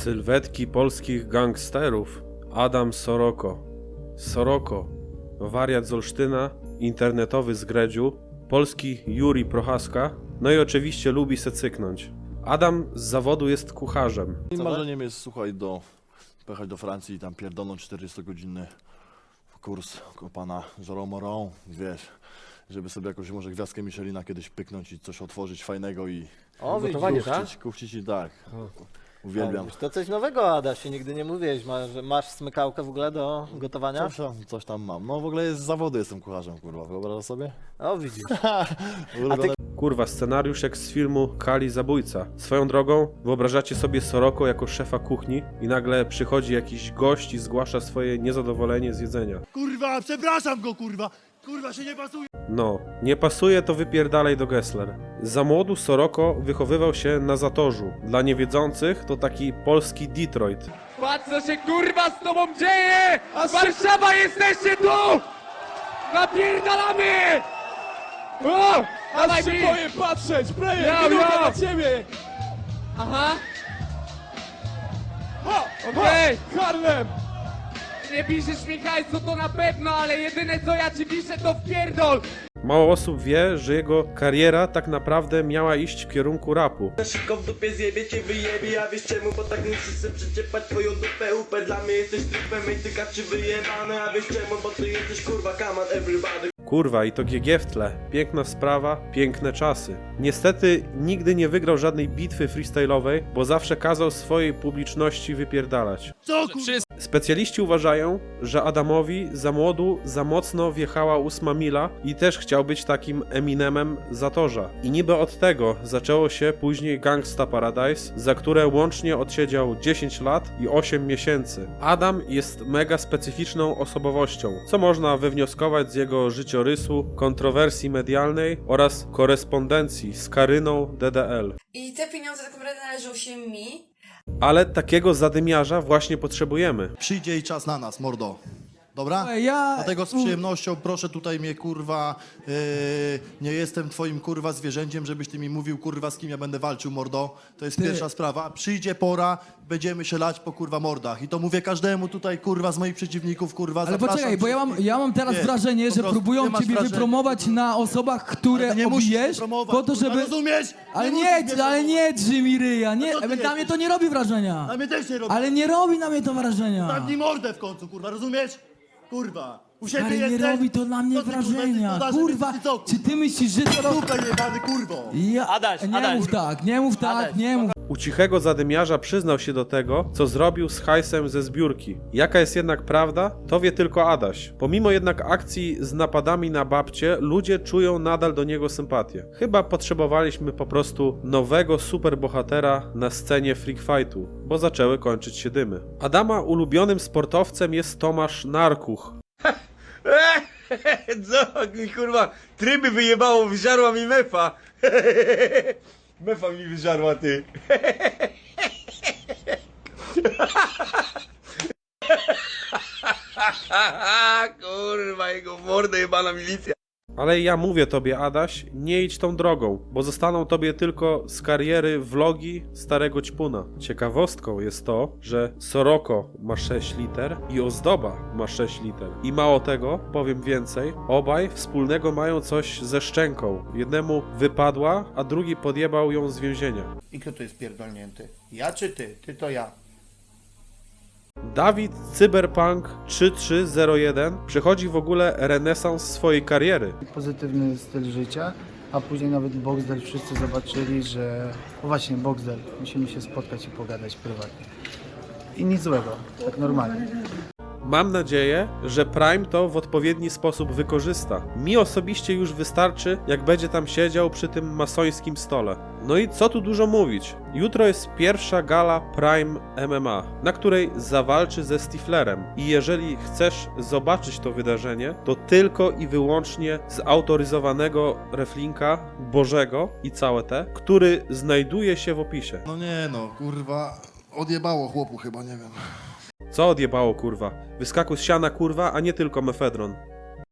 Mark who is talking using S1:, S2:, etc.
S1: Sylwetki polskich gangsterów. Adam Soroko. Soroko, wariat z Olsztyna, internetowy z Gredziu, polski Juri Prochaska, no i oczywiście lubi se cyknąć. Adam z zawodu jest kucharzem.
S2: I marzeniem jest, słuchaj, pojechać do Francji i tam pierdolną 40-godzinny kurs u pana Jérôme Moron, wiesz, żeby sobie jakąś może gwiazdkę Michelina kiedyś pyknąć i coś otworzyć fajnego i
S3: gotowanie, tak?
S2: kuchcić i tak. Uwielbiam.
S3: To coś nowego, Adasie, nigdy nie mówiłeś. Masz smykałkę w ogóle do gotowania?
S2: Coś tam mam. No w ogóle z zawodu jestem kucharzem, kurwa, wyobrażasz sobie?
S3: O, widzisz.
S1: Kurwa, scenariusz jak z filmu Kali Zabójca. Swoją drogą, wyobrażacie sobie Soroko jako szefa kuchni i nagle przychodzi jakiś gość i zgłasza swoje niezadowolenie z jedzenia.
S4: Kurwa, przepraszam go, kurwa! Kurwa, się nie pasuje!
S1: No, nie pasuje, to wypierdalaj do Gessler. Za młodu Soroko wychowywał się na Zatorzu. Dla niewiedzących to taki polski Detroit.
S5: Patrz, co się kurwa z tobą dzieje! Warszawa, jesteście tu! Napierdalamy! O! Aż się boję patrzeć! Player, minuta na ciebie! Aha! Okej! Harlem! Nie piszesz mi hajsu, to na pewno, ale jedyne co ja ci piszę to wpierdol!
S1: Mało osób wie, że jego kariera tak naprawdę miała iść w kierunku rapu.
S6: Szybko w dupie zjebie cię wyjebie, a wiesz czemu? Bo tak musisz se przyczepać twoją dupę upę. Dla mnie jesteś trupem, ej ty kaczy wyjebane, a wiesz czemu? Bo ty jesteś kurwa come on everybody.
S1: Kurwa, i to GG w tle. Piękna sprawa, piękne czasy. Niestety nigdy nie wygrał żadnej bitwy freestyle'owej, bo zawsze kazał swojej publiczności wypierdalać.
S4: Co kurwa?
S1: Specjaliści uważają, że Adamowi za młodu za mocno wjechała 8 mila i też chciał być takim Eminemem Zatorza. I niby od tego zaczęło się później Gangsta Paradise, za które łącznie odsiedział 10 lat i 8 miesięcy. Adam jest mega specyficzną osobowością, co można wywnioskować z jego życiorysu, kontrowersji medialnej oraz korespondencji z Karyną DDL.
S7: I te pieniądze tak naprawdę należą się mi.
S1: Ale takiego zadymiarza właśnie potrzebujemy.
S4: Przyjdzie i czas na nas, mordo. Dobra?
S8: Ja...
S4: Dlatego z przyjemnością proszę tutaj mnie, kurwa, nie jestem twoim, kurwa, zwierzęciem, żebyś ty mi mówił, kurwa, z kim ja będę walczył, mordo. To jest pierwsza sprawa. Przyjdzie pora, będziemy się lać po, kurwa, mordach. I to mówię każdemu tutaj, kurwa, z moich przeciwników, kurwa,
S8: Ale
S4: zapraszam
S8: poczekaj, bo ja mam teraz
S4: Nie,
S8: wrażenie,
S4: po
S8: że
S4: prostu,
S8: próbują
S4: nie masz
S8: ciebie
S4: wrażenia.
S8: wypromować na osobach, które
S4: Ale nie musisz mnie
S8: obijesz,
S4: promować,
S8: po to,
S4: kurwa,
S8: żeby...
S4: rozumiesz?
S8: Ale
S4: musisz
S8: nie,
S4: mnie
S8: ale nie drży mi ryja, nie,
S4: co ty
S8: na mnie
S4: jesteś?
S8: to nie robi wrażenia.
S4: A mnie też nie robi.
S8: Ale nie robi na mnie to wrażenia.
S4: Zamknij mordę w końcu, kurwa, rozumiesz? Kurwa. U siebie
S8: Ale nie
S4: jesteś?
S8: robi to dla mnie
S4: Co ty, kurwa,
S8: wrażenia.
S4: jesteś
S8: Kurwa,
S4: co,
S8: czy ty myślisz, że to...
S4: Dupę jebany, kurwo.
S8: Nie mów tak, nie mów tak, nie mów.
S1: U cichego zadymiarza przyznał się do tego, co zrobił z hajsem ze zbiórki. Jaka jest jednak prawda, to wie tylko Adaś. Pomimo jednak akcji z napadami na babcie, ludzie czują nadal do niego sympatię. Chyba potrzebowaliśmy po prostu nowego superbohatera na scenie freak fightu, bo zaczęły kończyć się dymy. Adama ulubionym sportowcem jest Tomasz Narkuch.
S6: Co mi kurwa, tryby wyjebało, wyżarła mi mefa. Mefa mi wyżarła, ty. Kurwa, jego mordę jebana milicja.
S1: Ale ja mówię tobie, Adaś, nie idź tą drogą, bo zostaną tobie tylko z kariery vlogi starego ćpuna. Ciekawostką jest to, że Soroko ma 6 liter i Ozdoba ma 6 liter. I mało tego, powiem więcej, obaj wspólnego mają coś ze szczęką. Jednemu wypadła, a drugi podjebał ją z więzienia.
S9: I kto tu jest pierdolnięty? Ja czy ty? Ty to ja.
S1: Dawid Cyberpunk 3301 przechodzi w ogóle renesans swojej kariery.
S10: Pozytywny styl życia, a później nawet Boxdel wszyscy zobaczyli, że... O właśnie, Boxdel, musimy się spotkać i pogadać prywatnie. I nic złego, tak normalnie.
S1: Mam nadzieję, że Prime to w odpowiedni sposób wykorzysta. Mi osobiście już wystarczy, jak będzie tam siedział przy tym masońskim stole. No i co tu dużo mówić. Jutro jest pierwsza gala Prime MMA, na której zawalczy ze Stiflerem. I jeżeli chcesz zobaczyć to wydarzenie, to tylko i wyłącznie z autoryzowanego reflinka Bożego i całe te, który znajduje się w opisie.
S4: No nie no, kurwa, odjebało chłopu chyba, nie wiem.
S1: Co odjebało, kurwa? Wyskakuj z siana, kurwa, a nie tylko mefedron.